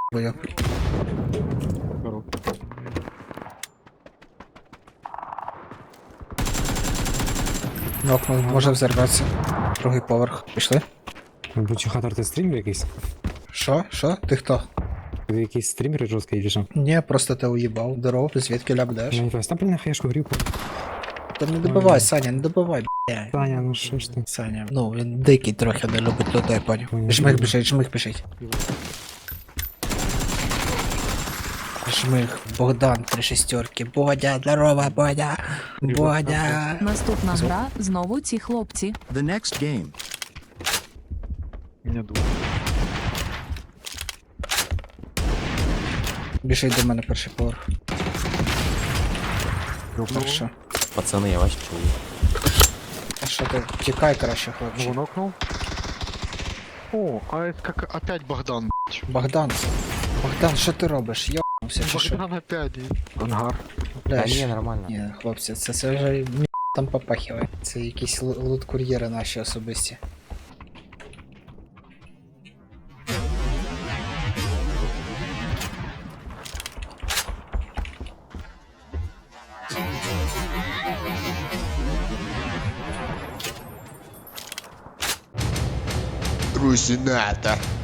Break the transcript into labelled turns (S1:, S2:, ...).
S1: бою. Нокнув, може взорватися. Другий поверх. Пішли?
S2: Бучухатор, ти стрімер якийсь?
S1: Що? Що? Ти хто?
S2: Ти якийсь стрімер жорсткий чи що?
S1: Ні, просто ти уїбав. Здоров, звідки ляпдеш?
S2: Я не знаю, там блін на хаєшку грівку.
S1: Та не добивай, Саня, не добивай, блядь.
S2: Таня, ну що ж ти?
S1: Саня, ну він дикий трохи не любить людей, поняв.
S2: Поняв.
S1: Жмих біжить. Жмих, Богдан, 3 шестерки. Бодя, здорова, Бодя. Бодя.
S3: Наступна гра знову ці хлопці.
S4: The next game.
S5: Меня дует.
S1: Біжить до мене перший поверх. Хорошо.
S6: Пацаны, я вас чую.
S1: А що ти? Тікай краще,
S5: Ну,
S1: хлопче.
S5: нокнул. О, а это как опять Богдан, блядь.
S1: Богдан. Богдан, що ти робиш? Йобнувся чи що?
S5: Богдан опять. Ангар.
S6: Да
S1: Бля,
S6: не, нормально.
S1: Ні, хлопці, це вже там попахиває. Це якісь лут-кур'єри наші особисті.
S4: Русинатор.